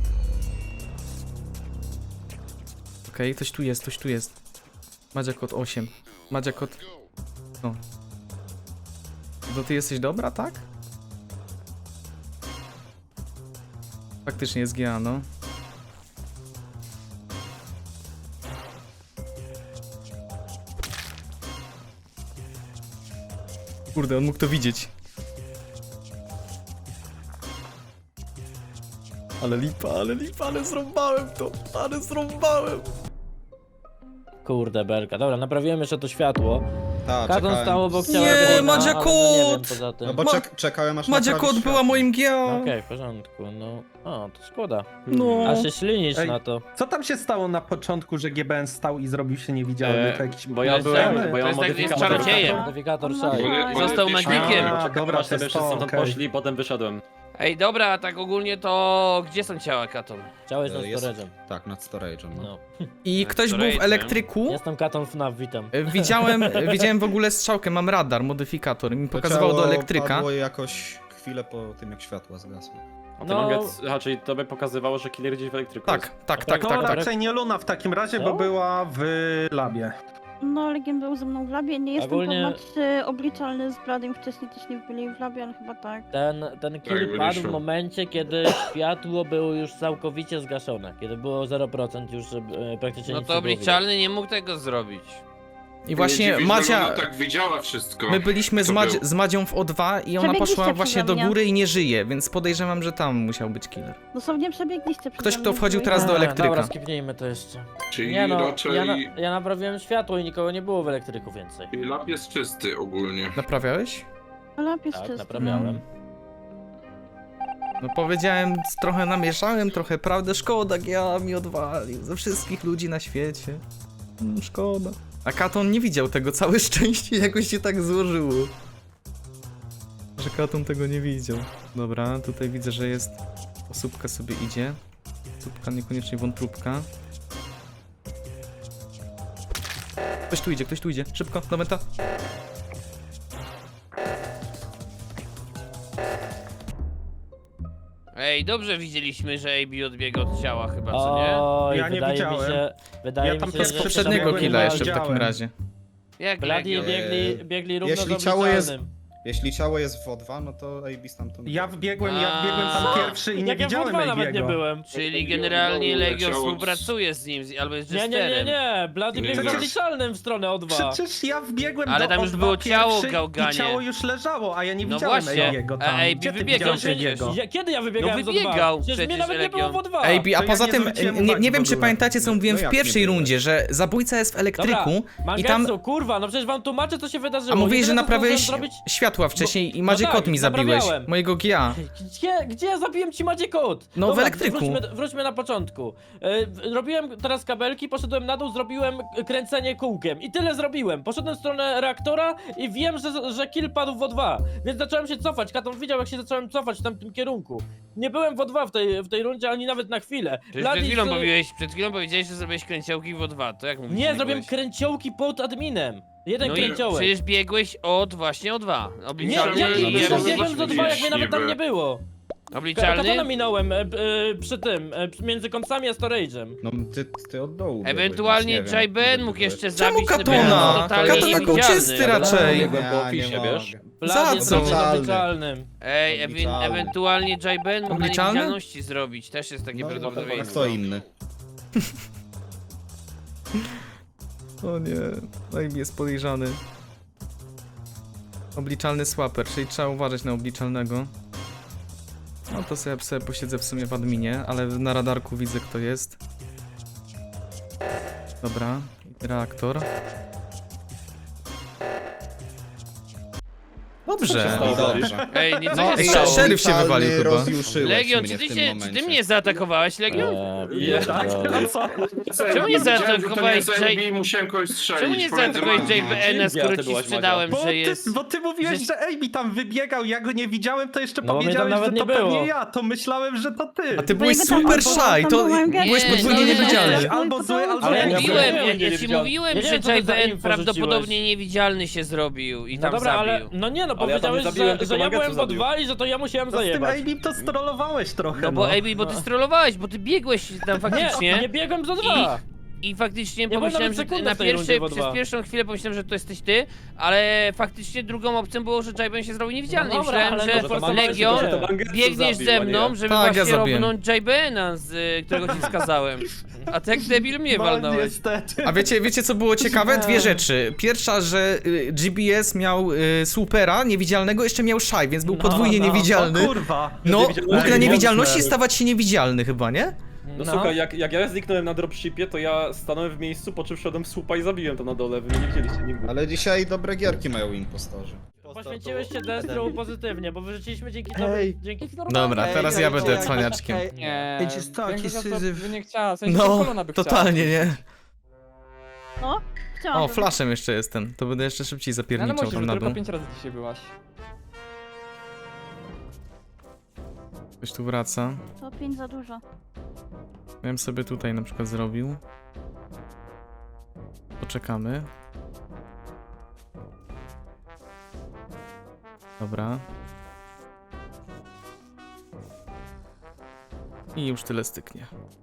Speaker 2: Okej, ktoś tu jest, ktoś tu jest. Madzia kod 8. Madzia kod... No. To ty jesteś dobra, tak? Faktycznie jest GA, no. Kurde, on mógł to widzieć. Ale lipa, ale zrąbałem to, ale zrąbałem.
Speaker 1: Kurde belka. Dobra, naprawiłem jeszcze to światło.
Speaker 4: Tak,
Speaker 1: Katon
Speaker 4: czekałem.
Speaker 1: stał obok
Speaker 2: Nie,
Speaker 1: ciała Greena,
Speaker 2: Madzia
Speaker 1: ale no nie wiem
Speaker 2: kot!
Speaker 1: poza tym.
Speaker 4: No bo czekałem aż
Speaker 2: Madzia
Speaker 4: naprawić
Speaker 2: kot była
Speaker 4: światło.
Speaker 2: moim GA.
Speaker 1: Okej, w porządku, no. O, to szkoda.
Speaker 2: No.
Speaker 1: A się ślinisz
Speaker 12: Ej.
Speaker 1: na to.
Speaker 12: Co tam się stało na początku, że GBN stał i zrobił się niewidzialny? To jakiś...
Speaker 5: Bo ja
Speaker 3: To
Speaker 5: byłem,
Speaker 3: jest
Speaker 5: bo ja
Speaker 3: tak,
Speaker 5: mam
Speaker 3: jest
Speaker 5: modyfikator.
Speaker 3: czarodziejem.
Speaker 1: Modyfikator
Speaker 8: No,
Speaker 1: szaj.
Speaker 9: Bo-
Speaker 3: Został
Speaker 9: bo-
Speaker 3: magikiem.
Speaker 12: A, dobra,
Speaker 5: Sobie
Speaker 12: to
Speaker 5: wszyscy
Speaker 12: to,
Speaker 5: stamtąd
Speaker 12: okej.
Speaker 5: poszli, potem wyszedłem.
Speaker 3: Ej, dobra, a tak ogólnie to gdzie są ciała, Katon?
Speaker 1: Chciałeś nad
Speaker 4: Jest-
Speaker 1: storage'em.
Speaker 4: Tak, nad storage'em. No.
Speaker 1: No.
Speaker 2: I ktoś był w
Speaker 3: Storage'em.
Speaker 2: elektryku.
Speaker 1: Jestem Katon FNAF, witam.
Speaker 2: Widziałem w ogóle strzałkę, mam radar, modyfikator i mi
Speaker 4: To
Speaker 2: pokazywało do
Speaker 4: ciało
Speaker 2: elektryka.
Speaker 4: padło jakoś chwilę po tym, jak światła zgasły.
Speaker 5: A ty
Speaker 1: No.
Speaker 5: Manget, aha, czyli to by pokazywało, że killer gdzieś w elektryku
Speaker 2: Tak,
Speaker 5: jest.
Speaker 2: tak, tak,
Speaker 12: To
Speaker 2: tak, tak.
Speaker 12: raczej nie Luna w takim razie,
Speaker 1: Co?
Speaker 12: bo była w labie.
Speaker 8: No, Legion był ze mną w labie. Nie jestem
Speaker 1: Ogólnie-
Speaker 8: pewna, czy obliczalny z Bladym wcześniej też nie byli w labie, ale chyba tak.
Speaker 1: Ten kill
Speaker 9: Tak,
Speaker 1: padł w
Speaker 9: wyszło.
Speaker 1: momencie, kiedy światło było już całkowicie zgaszone. Kiedy było 0% już praktycznie
Speaker 3: No
Speaker 1: nic
Speaker 3: to
Speaker 1: nie było
Speaker 3: obliczalny nie mógł tego zrobić.
Speaker 2: I właśnie
Speaker 9: Nie dziwi, że
Speaker 2: Madzia,
Speaker 9: ona tak widziała wszystko.
Speaker 2: my byliśmy
Speaker 9: co było.
Speaker 2: z Madzią w O2 i ona
Speaker 8: Przebiegliście
Speaker 2: poszła właśnie
Speaker 8: przeze
Speaker 2: do
Speaker 8: mnie.
Speaker 2: góry i nie żyje, więc podejrzewam, że tam musiał być killer.
Speaker 8: Dosłownie przebiegliście
Speaker 2: Ktoś,
Speaker 8: przeze
Speaker 2: kto
Speaker 8: mnie
Speaker 2: wchodził
Speaker 8: w
Speaker 2: teraz do
Speaker 8: dwójkę.
Speaker 2: elektryka.
Speaker 1: Dobra, skipnijmy to jeszcze.
Speaker 9: Czyli
Speaker 1: Nie no,
Speaker 9: raczej
Speaker 1: ja naprawiłem światło i nikogo nie było w elektryku więcej.
Speaker 9: lab jest czysty ogólnie.
Speaker 2: Naprawiałeś?
Speaker 8: Lab jest
Speaker 1: Tak,
Speaker 8: czysty.
Speaker 1: naprawiałem.
Speaker 2: No powiedziałem, trochę namieszałem, trochę prawdę, szkoda, ja mi odwalił ze wszystkich ludzi na świecie. Szkoda. A Katon nie widział tego, całe szczęście jakoś się tak złożyło. Że Katon tego nie widział. Dobra, tutaj widzę, że jest... Osóbka sobie idzie. Osóbka, niekoniecznie wątróbka. Ktoś tu idzie, szybko, do meta.
Speaker 3: Ej, dobrze widzieliśmy, że AB odbiega od ciała chyba, co nie?
Speaker 1: Oj,
Speaker 12: Ja nie
Speaker 1: wydaje mi
Speaker 12: widziałem.
Speaker 1: się, wydaje
Speaker 12: Ja
Speaker 1: mi
Speaker 12: tam
Speaker 1: się,
Speaker 12: przez
Speaker 1: że...
Speaker 2: Z poprzedniego
Speaker 12: Żadnego
Speaker 2: killa
Speaker 12: nie
Speaker 2: jeszcze w takim
Speaker 12: widziałem.
Speaker 2: razie.
Speaker 3: Jak
Speaker 1: Bladi
Speaker 3: Legion?
Speaker 1: biegli równo
Speaker 4: jeśli
Speaker 1: z
Speaker 4: ciało jest-
Speaker 1: obliczalnym.
Speaker 4: Jeśli ciało jest w O2, no to AB stamtąd...
Speaker 12: Ja wbiegłem tam
Speaker 3: A.
Speaker 12: pierwszy i nie
Speaker 1: Jak ja w
Speaker 12: widziałem
Speaker 1: O2 nawet nie
Speaker 12: Egiego.
Speaker 1: byłem.
Speaker 3: Czyli generalnie Legion
Speaker 9: Ciało-
Speaker 3: współpracuje z nim, albo jest
Speaker 1: Nie,
Speaker 3: Jesterem.
Speaker 1: Blady biegł z
Speaker 9: Przecież-
Speaker 1: obliczalnym w stronę O2.
Speaker 12: Przecież ja wbiegłem
Speaker 3: Ale
Speaker 12: do
Speaker 3: tam już
Speaker 12: O2
Speaker 3: było ciało,
Speaker 12: pierwszy
Speaker 3: Gałganie.
Speaker 12: I ciało już leżało, a ja nie
Speaker 3: No
Speaker 12: widziałem
Speaker 3: właśnie.
Speaker 12: Egiego
Speaker 3: A
Speaker 12: tam.
Speaker 3: AB
Speaker 12: Gdzie ty
Speaker 3: wybiegał
Speaker 12: widziałeś
Speaker 3: przecież.
Speaker 12: Egiego?
Speaker 1: Kiedy ja wybiegałem
Speaker 3: No
Speaker 1: z
Speaker 3: wybiegał
Speaker 1: O2? Przecież mnie
Speaker 3: przecież
Speaker 1: nawet nie było
Speaker 3: Legion.
Speaker 1: w O2.
Speaker 2: AB, a
Speaker 12: To ja
Speaker 2: poza
Speaker 12: nie
Speaker 2: tym,
Speaker 12: zwróciłem
Speaker 2: nie
Speaker 12: uwagi
Speaker 2: wiem
Speaker 12: w
Speaker 2: czy
Speaker 12: ogóle.
Speaker 2: pamiętacie co mówiłem
Speaker 4: No
Speaker 2: w
Speaker 4: jak
Speaker 2: pierwszej
Speaker 4: nie byłeś?
Speaker 2: rundzie, że zabójca jest w elektryku i tam...
Speaker 1: Mangetsu, kurwa, no przecież wam tłumaczę co się wydarzyło.
Speaker 2: A mówiłeś, że
Speaker 1: Jedyne, co
Speaker 2: naprawiałeś
Speaker 1: zdążyłem zrobić...
Speaker 2: światła wcześniej i
Speaker 1: no
Speaker 2: Madzie
Speaker 1: tak,
Speaker 2: Kot mi zabiłeś.
Speaker 1: naprawiałem.
Speaker 2: Mojego GA.
Speaker 1: Gdzie ja zabiłem ci Madzie Kot?
Speaker 2: No, w
Speaker 1: Dobra,
Speaker 2: elektryku.
Speaker 1: Wróćmy na początku. Robiłem teraz kabelki, poszedłem na dół, zrobiłem kręcenie kółkiem i tyle zrobiłem. Poszedłem w stronę reaktora i wiem, że kill padł w O2, więc zacząłem się cofać. Katon widział jak się zacząłem cofać w tamtym kierunku. Nie byłem w O2 w tej rundzie ani nawet na chwilę.
Speaker 3: Przecież
Speaker 1: Bloody
Speaker 3: przed chwilą powiedziałeś, że zrobiłeś kręciołki w O2, to jak mówisz?
Speaker 1: Nie,
Speaker 3: że
Speaker 1: zrobiłem
Speaker 3: biegłeś?
Speaker 1: kręciołki pod adminem. Jeden
Speaker 3: No i
Speaker 1: kręciołek.
Speaker 3: przecież biegłeś właśnie O2.
Speaker 1: Nie,
Speaker 3: Obliczalny
Speaker 1: ja
Speaker 3: i
Speaker 1: biegłem z
Speaker 9: Jezus,
Speaker 1: O2 jak mnie nawet tam
Speaker 9: niby.
Speaker 1: nie było.
Speaker 3: Obliczalny?
Speaker 1: Katona minąłem przy tym, między kąsami a storage'em.
Speaker 4: No ty od dołu biegłeś,
Speaker 3: Ewentualnie
Speaker 4: więc nie wiem,
Speaker 3: Jay-Ben
Speaker 4: gdzie
Speaker 3: mógł
Speaker 4: byłeś.
Speaker 3: jeszcze
Speaker 2: Czemu
Speaker 3: zabić
Speaker 2: Katona?
Speaker 3: totalnie
Speaker 2: Katon był
Speaker 3: niewidzialny.
Speaker 2: czysty raczej.
Speaker 5: Biegłem po
Speaker 4: Ja
Speaker 5: opisie,
Speaker 4: nie
Speaker 5: wiesz?
Speaker 4: mogę.
Speaker 1: Blady
Speaker 2: co?
Speaker 1: zrobił z
Speaker 4: Obliczalny.
Speaker 1: obliczalnym.
Speaker 3: Ej,
Speaker 4: Obliczalny.
Speaker 3: ewentualnie Jay-Ben mógł na
Speaker 2: Obliczalny?
Speaker 3: niewidzialności zrobić, też jest takie
Speaker 4: No, a
Speaker 3: prawdopodobieństwo.
Speaker 4: kto inny?
Speaker 2: O nie, AB jest podejrzany. Obliczalny swaper, czyli trzeba uważać na obliczalnego. No to sobie posiedzę w sumie w adminie, ale na radarku widzę kto jest. Dobra, reaktor. Dobrze.
Speaker 5: stało?
Speaker 4: Dobrze.
Speaker 3: Ej, nie co
Speaker 4: No,
Speaker 3: się
Speaker 2: ej,
Speaker 3: stało?
Speaker 2: szeryf się wywalił chyba.
Speaker 4: Rozjuszyłeś
Speaker 3: Legion,
Speaker 4: mnie
Speaker 3: czy
Speaker 4: w tym
Speaker 3: ty
Speaker 4: momencie.
Speaker 3: mnie zaatakowałeś, Legion?
Speaker 5: Nie, tak? No co?
Speaker 3: Czemu nie zaatakowałeś
Speaker 9: Jay... Musiałem kogoś strzelić.
Speaker 3: Czemu nie
Speaker 9: pomiędzy
Speaker 3: zaatakowałeś
Speaker 9: wami.
Speaker 3: JBN-a, skoro
Speaker 5: Ty
Speaker 3: ci
Speaker 5: byłaś,
Speaker 3: sprzedałem,
Speaker 12: Bo
Speaker 3: że jest...
Speaker 12: bo ty mówiłeś,
Speaker 3: że-
Speaker 12: że Amy tam wybiegał, ja go nie widziałem, to jeszcze
Speaker 1: No, mnie tam
Speaker 12: powiedziałeś,
Speaker 1: nawet
Speaker 12: że
Speaker 1: nie
Speaker 12: to
Speaker 1: było.
Speaker 12: pewnie ja, to myślałem, że to ty.
Speaker 2: A ty byłeś
Speaker 8: jakby tam
Speaker 2: super
Speaker 8: albo
Speaker 2: shy,
Speaker 8: tam
Speaker 2: to
Speaker 8: był Mangetsu,
Speaker 2: byłeś
Speaker 3: Nie,
Speaker 2: podwójnie
Speaker 3: nie,
Speaker 2: niewidzialny.
Speaker 3: nie.
Speaker 12: Albo zły, albo
Speaker 1: Ale ja
Speaker 12: nie.
Speaker 1: nie
Speaker 3: Mówiłem,
Speaker 1: byłem
Speaker 3: ja ci
Speaker 1: niewidzialny.
Speaker 3: mówiłem,
Speaker 1: Nie
Speaker 3: że
Speaker 1: wiem, co to za
Speaker 3: JBN
Speaker 1: info
Speaker 3: prawdopodobnie
Speaker 1: rzuciłeś.
Speaker 3: niewidzialny się zrobił i
Speaker 1: No
Speaker 3: tam
Speaker 1: dobra, ale
Speaker 3: zabił.
Speaker 1: no nie no,
Speaker 5: Ale ja tam nie
Speaker 1: powiedziałeś,
Speaker 5: zabiłem,
Speaker 1: że
Speaker 5: tylko
Speaker 1: ja byłem
Speaker 5: Mangetsu
Speaker 1: w O2 i że to ja musiałem
Speaker 12: No z tym
Speaker 1: zajebać.
Speaker 12: Amy to strollowałeś trochę,
Speaker 3: No bo AB, bo ty strollowałeś, bo ty biegłeś tam
Speaker 1: Nie,
Speaker 3: faktycznie.
Speaker 1: nie biegłem z O2.
Speaker 3: I faktycznie
Speaker 1: byłem
Speaker 3: pomyślałem,
Speaker 1: nawet
Speaker 3: że
Speaker 1: sekundę
Speaker 3: na
Speaker 1: w tej rundzie w O2.
Speaker 3: przez pierwszą chwilę pomyślałem, że to jesteś ty, ale faktycznie drugą opcją było, że JBN się zrobił niewidzialny.
Speaker 1: No
Speaker 3: I
Speaker 1: dobra,
Speaker 3: myślałem,
Speaker 1: ale
Speaker 3: że
Speaker 1: no to forsowałeś
Speaker 3: Legion
Speaker 1: się.
Speaker 5: To Mangetsu
Speaker 3: biegniesz
Speaker 5: zabił,
Speaker 3: ze
Speaker 5: a nie
Speaker 3: mną,
Speaker 5: ja.
Speaker 3: żeby
Speaker 2: Tak, ja
Speaker 3: właśnie
Speaker 2: zabiłem.
Speaker 3: robnąć JBN-a, którego ci skazałem. A tak debil mnie
Speaker 12: No
Speaker 3: walnąłeś.
Speaker 12: niestety.
Speaker 2: A wiecie co było ciekawe? Dwie rzeczy. Pierwsza, że GBS miał supera niewidzialnego, jeszcze miał shy, więc był podwójnie
Speaker 12: O
Speaker 2: niewidzialny.
Speaker 12: kurwa.
Speaker 2: No, mógł na
Speaker 12: Ej,
Speaker 2: niewidzialności
Speaker 12: mocne.
Speaker 2: stawać się niewidzialny chyba, nie?
Speaker 5: No słuchaj, jak ja zniknąłem na dropshipie, to ja stanąłem w miejscu, po czym wszedłem w słupa i zabiłem to na dole, wy mnie nie widzieliście nigdy.
Speaker 4: Ale dzisiaj dobre gierki mają impostorzy.
Speaker 1: Poświęciłeś się Destru pozytywnie, bo wyrzuciliśmy dzięki tobie, dzięki...
Speaker 2: Dobra, teraz ja będę cwaniaczkiem.
Speaker 12: Nie.
Speaker 6: Ej, jest taki syzyf.
Speaker 12: nie chciała, w
Speaker 2: No, totalnie nie.
Speaker 8: No, chciałam.
Speaker 2: O, flashem jeszcze jestem. To będę jeszcze szybciej zapierniczał tam na dół.
Speaker 12: 5 razy dzisiaj byłaś.
Speaker 2: Ktoś tu wraca.
Speaker 8: To 5 za dużo.
Speaker 2: Ja bym sobie tutaj na przykład zrobił. Poczekamy. Dobra. I już tyle styknie.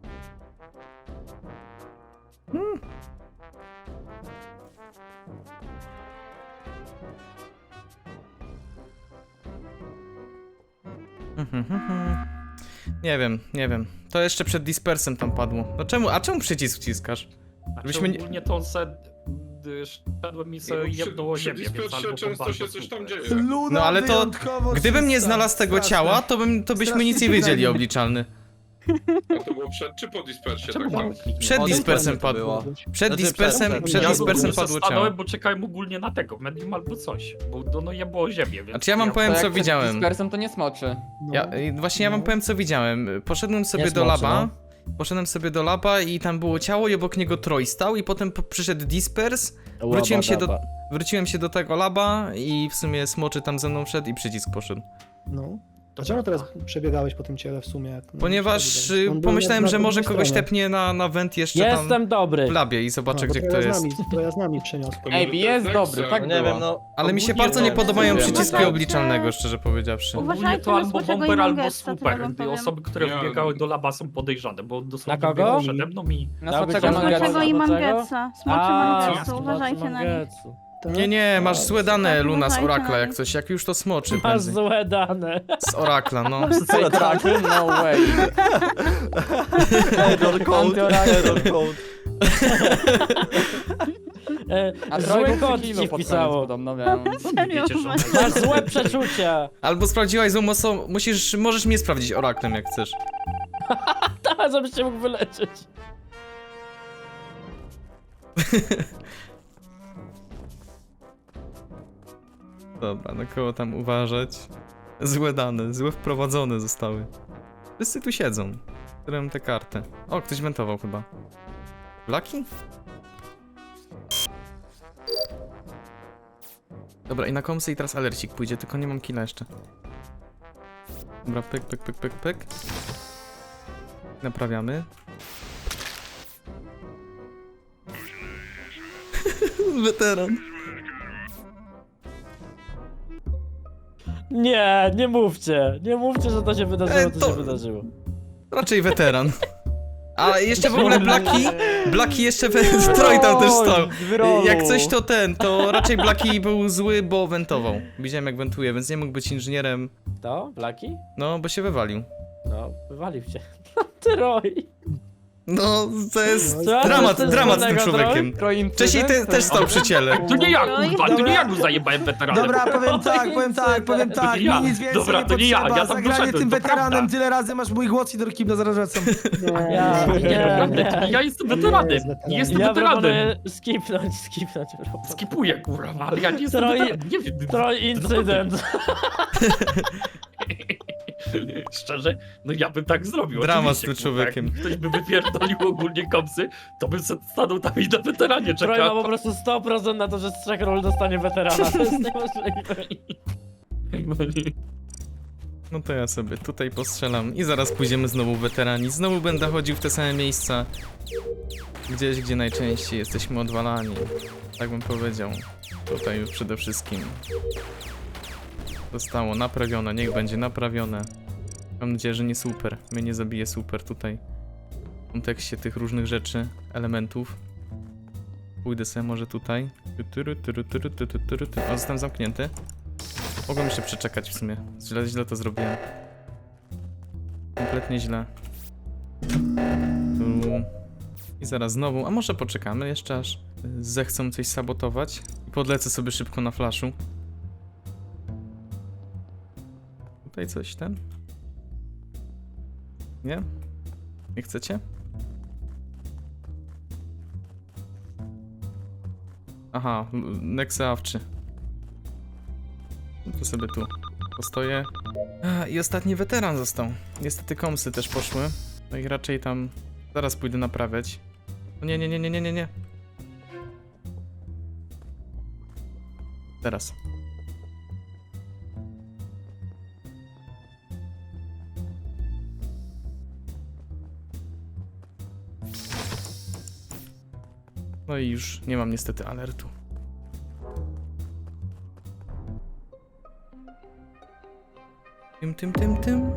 Speaker 2: Nie wiem. To jeszcze przed dispersem tam padło. No czemu, a czemu przycisk wciskasz? Żebyśmy nie...
Speaker 5: Ogólnie to szedłem mi sobie jedną o ziemię, więc albo
Speaker 9: często się coś tam dzieje.
Speaker 6: Luna
Speaker 2: No ale to,
Speaker 6: wyjątkowo
Speaker 2: gdybym nie
Speaker 6: czysta.
Speaker 2: znalazł tego
Speaker 6: Straszne.
Speaker 2: ciała, to byśmy nic nie wiedzieli obliczalny.
Speaker 9: A to było przed czy po dispersie? Tak tam?
Speaker 2: Przed dispersem padło. Przed dispersem padło ciało.
Speaker 5: bo czekałem ogólnie na tego, medium albo coś, bo no je było ziemię, więc...
Speaker 2: Znaczy ja wam powiem co widziałem.
Speaker 12: Dispersem to nie smoczy.
Speaker 2: Właśnie ja wam powiem co widziałem. Poszedłem sobie
Speaker 1: Jest
Speaker 2: do
Speaker 1: mocy,
Speaker 2: laba.
Speaker 1: no.
Speaker 2: Poszedłem sobie do laba i tam było ciało i obok niego Troy stał i potem przyszedł dispers. Wróciłem się do tego laba i w sumie smoczy tam ze mną wszedł i przycisk poszedł.
Speaker 13: No. Dlaczego teraz przebiegałeś po tym ciele w sumie?
Speaker 2: Ponieważ pomyślałem, że może kogoś tepnie na went jeszcze tam
Speaker 1: Jestem dobry.
Speaker 2: w labie i zobaczę gdzie kto jest.
Speaker 13: To ja z nami przyniosłem.
Speaker 12: Ej, jest dobry, tak
Speaker 9: Nie
Speaker 12: było.
Speaker 9: wiem,
Speaker 2: Ale mi się bardzo nie podobają przyciski obliczalnego, szczerze powiedziawszy.
Speaker 8: Uważajcie na smoczego i Mangesta, tyle wam powiem.
Speaker 5: które
Speaker 9: Nie.
Speaker 5: wbiegały do laba są podejrzane, bo
Speaker 1: Na kogo?
Speaker 5: przede mną i...
Speaker 12: Na
Speaker 1: Miał być
Speaker 12: smoczego
Speaker 1: Mangesa.
Speaker 8: Smoczego i
Speaker 1: Dlaczego?
Speaker 8: Mangetsa. Smoczy Mangetsu, uważajcie na nich.
Speaker 2: Nie, masz złe dane Luna z
Speaker 8: Uważajcie
Speaker 2: Orakla
Speaker 8: na
Speaker 2: jak
Speaker 8: nich.
Speaker 2: coś, jak już to smoczy
Speaker 1: Masz
Speaker 2: prędzej.
Speaker 1: złe dane.
Speaker 2: Z Orakla, no.
Speaker 12: Oracle? No way. A
Speaker 1: Zły
Speaker 12: Troy
Speaker 1: kod
Speaker 12: kilo
Speaker 1: ci
Speaker 12: pod
Speaker 1: wpisało.
Speaker 12: koniec podobno, więc...
Speaker 8: Serio,
Speaker 5: Wiecie, że-
Speaker 8: uważajcie.
Speaker 1: Masz złe przeczucia.
Speaker 2: Albo sprawdziłaś złą osobą, możesz mnie sprawdzić Oraklem jak chcesz.
Speaker 1: Tak, żebyś cię mógł wyleczyć.
Speaker 2: Dobra, na kogo tam uważać? Złe dane, złe wprowadzone zostały. Wszyscy tu siedzą. Którym te karty. O, ktoś wentował chyba. Lucky? Dobra, i na komsy i teraz alercik pójdzie, tylko nie mam killa jeszcze. Dobra, pyk. Naprawiamy. Weteran.
Speaker 1: Nie mówcie. Nie mówcie, że to się wydarzyło,
Speaker 2: to-
Speaker 1: to się wydarzyło.
Speaker 2: Raczej weteran. A jeszcze w ogóle Blaki jeszcze w Troy tam też stał. Jak coś to raczej Blaki był zły, bo wentował. Widziałem jak wentuje, więc nie mógł być inżynierem.
Speaker 1: To? Blaki?
Speaker 2: No, bo się wywalił.
Speaker 1: No, wywalił cię. Troy.
Speaker 2: No, to jest
Speaker 1: Co?
Speaker 2: dramat
Speaker 1: To jest
Speaker 2: z tym
Speaker 1: żadnego
Speaker 2: człowiekiem.
Speaker 12: Troy
Speaker 2: Wcześniej też stał przy ciele.
Speaker 5: To nie ja,
Speaker 8: Troy?
Speaker 5: kurwa, to nie ja
Speaker 6: Dobra.
Speaker 5: go zajebałem weteranem.
Speaker 6: Dobra, powiem tak,
Speaker 5: ja.
Speaker 6: mi nic więcej
Speaker 5: Dobra,
Speaker 6: nie
Speaker 5: to nie ja,
Speaker 6: potrzeba.
Speaker 5: ja tam
Speaker 6: Zagranie
Speaker 5: doszedłem,
Speaker 6: tym
Speaker 5: to
Speaker 6: weteranem
Speaker 5: prawda.
Speaker 6: tyle razy masz mój głos i do Kibla zaraz wracam.
Speaker 5: Ja jestem weteranem, nie jestem
Speaker 1: Ja
Speaker 5: weteranem.
Speaker 1: proponuję skipnąć.
Speaker 5: Skipuję, kurwa, ale ja nie jestem
Speaker 1: Troy-
Speaker 5: weteranem, nie wiem.
Speaker 1: Troy incydent.
Speaker 5: Szczerze, no ja bym tak zrobił.
Speaker 2: Dramat z
Speaker 5: oczywiście,
Speaker 2: tym
Speaker 5: kurwa.
Speaker 2: człowiekiem.
Speaker 5: Jak ktoś by wypierdolił ogólnie kopsy, to bym stanął tam i na weteranie
Speaker 1: Troy ma
Speaker 5: czekał.
Speaker 1: po prostu 100% na to, że z 3 ról dostanie weterana. To jest niemożliwe.
Speaker 2: No to ja sobie tutaj postrzelam i zaraz pójdziemy znowu weterani. Znowu będę chodził w te same miejsca. Gdzieś, gdzie najczęściej jesteśmy odwalani. Tak bym powiedział. Tutaj już przede wszystkim. Zostało naprawione, niech będzie naprawione. Mam nadzieję, że nie super. Mnie nie zabije super tutaj. W kontekście tych różnych rzeczy, elementów. Pójdę sobie może tutaj. O, zostałem zamknięty. Mogłem jeszcze przeczekać w sumie. Źle to zrobiłem. Kompletnie źle. Tu. I zaraz znowu, a może poczekamy jeszcze aż zechcą coś sabotować. I podlecę sobie szybko na flashu. Tutaj coś ten? Nie? Nie chcecie? Aha, Nexeawczy. No to sobie tu postoję. I ostatni weteran został. Niestety komsy też poszły. No i raczej tam zaraz pójdę naprawiać. O nie, nie, nie, nie, nie, nie, nie. Teraz. No i już nie mam niestety alertu. Tym.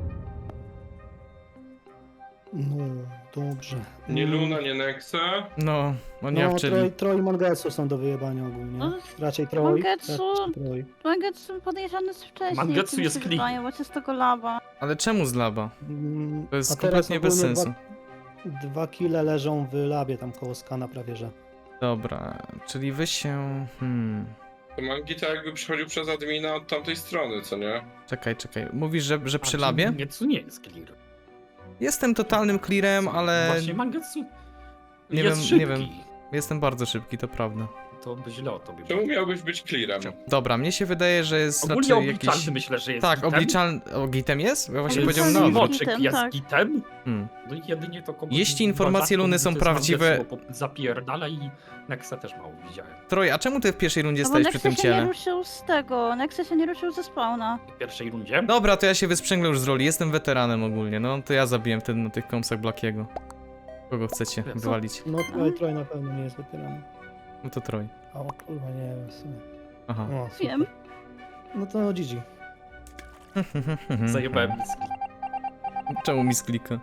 Speaker 13: No, dobrze.
Speaker 9: Nie Luna, nie Nexa.
Speaker 2: No, oni awczyli.
Speaker 13: Troj i Mangetsu są do wyjebania ogólnie.
Speaker 8: No,
Speaker 13: Raczej Troj.
Speaker 8: Mangetsu-
Speaker 13: raczej Troj.
Speaker 8: Mangetsu podejrzany z wcześniej.
Speaker 5: Mangetsu
Speaker 8: jak mi
Speaker 5: jest
Speaker 8: się
Speaker 5: klik.
Speaker 8: wydaje, bo z tego laba.
Speaker 2: Ale czemu z laba? To jest
Speaker 13: A teraz
Speaker 2: kompletnie bez
Speaker 13: ogólnie
Speaker 2: sensu.
Speaker 13: Dwa kile leżą w labie tam koło skana prawie, że.
Speaker 2: Dobra, czyli wy się...
Speaker 9: To Mangita jakby przychodził przez admina od tamtej strony, co nie?
Speaker 2: Czekaj. Mówisz, że przy labie?
Speaker 5: Mangetsu nie jest clear.
Speaker 2: Jestem totalnym clearem, ale...
Speaker 5: Właśnie Mangetsu
Speaker 2: Nie
Speaker 5: jest
Speaker 2: wiem,
Speaker 5: szybki.
Speaker 2: nie wiem. Jestem bardzo szybki, to prawda.
Speaker 5: To by źle o tobie
Speaker 9: Czemu miałbyś być clearem?
Speaker 2: Dobra, mnie się wydaje, że jest
Speaker 5: Ogólnie
Speaker 2: raczej
Speaker 5: obliczalny
Speaker 2: jakiś...
Speaker 5: myślę, że jest
Speaker 2: Tak,
Speaker 5: gitem.
Speaker 2: obliczalny... O, gitem jest? Ja właśnie
Speaker 8: Jest
Speaker 2: powiedziałem no.
Speaker 8: gitem.
Speaker 5: Moczek jest
Speaker 8: tak.
Speaker 5: gitem.
Speaker 2: Hmm.
Speaker 5: No i jedynie to kogo...
Speaker 2: Jeśli informacje Luny są prawdziwe-
Speaker 5: Zapierdala i Nexa też mało widziałem.
Speaker 2: Troj, a czemu ty w pierwszej rundzie
Speaker 8: No bo
Speaker 2: stałeś przy
Speaker 8: Nexus
Speaker 2: tym
Speaker 8: się nie
Speaker 2: ciele?
Speaker 8: ruszył z tego. Nexus się nie ruszył ze spawna.
Speaker 5: W pierwszej rundzie.
Speaker 2: Dobra, to ja się wysprzęglę już z roli, jestem weteranem ogólnie, no to ja zabiłem wtedy na tych kąsach Blackiego. Kogo chcecie
Speaker 5: Co?
Speaker 2: wywalić?
Speaker 13: No Troj na pewno nie jest weteranem.
Speaker 2: No to Troj.
Speaker 13: O kurwa, nie wiem w sumie.
Speaker 2: Aha.
Speaker 13: O, super.
Speaker 8: Wiem.
Speaker 13: No to GG.
Speaker 5: Zajebałem miski.
Speaker 2: Czemu mi sklika?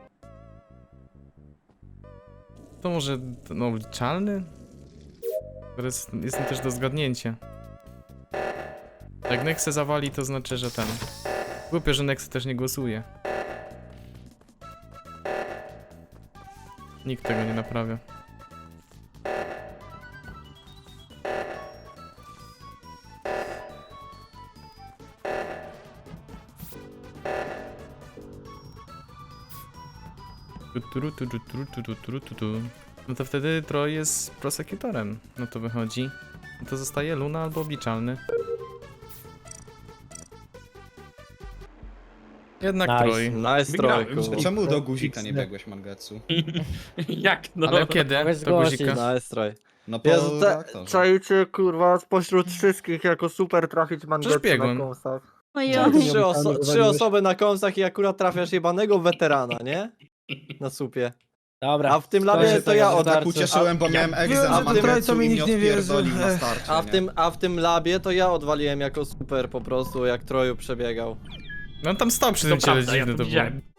Speaker 2: To może no obliczalny? Teraz jestem też do zgadnięcia. Jak Nexe zawali, to znaczy, że ten... Głupio, że Nexe też nie głosuje. Nikt tego nie naprawia. No to wtedy Troj jest prosekutorem. No to wychodzi. No to zostaje Luna albo obliczalny. Jednak Troj.
Speaker 5: Wygrałem.
Speaker 4: Czemu do guzika nie biegłeś, Mangetsu?
Speaker 5: Jak no?
Speaker 2: Ale kiedy? To guzika.
Speaker 4: No po reaktorze.
Speaker 12: Czajcie kurwa spośród wszystkich jako super trafić Mangetsu
Speaker 2: biegłem.
Speaker 12: na kąsach.
Speaker 8: No ja.
Speaker 13: Trzy osoby
Speaker 12: na kąsach i akurat trafiasz jebanego weterana, nie? Na supie.
Speaker 1: Dobra.
Speaker 12: A w tym
Speaker 1: labie to ja
Speaker 4: się tak ucieszyłem, bo miałem egzę na
Speaker 6: Byłem, że Troj, co
Speaker 4: Mangetsu
Speaker 6: mi
Speaker 4: i
Speaker 6: nikt nie wierzy.
Speaker 4: odpierdolił na starcie, nie?
Speaker 12: a w tym labie to ja odwaliłem jako super po prostu, jak Troju przebiegał.
Speaker 2: No on tam stał przy tym ciele, dziwne to było.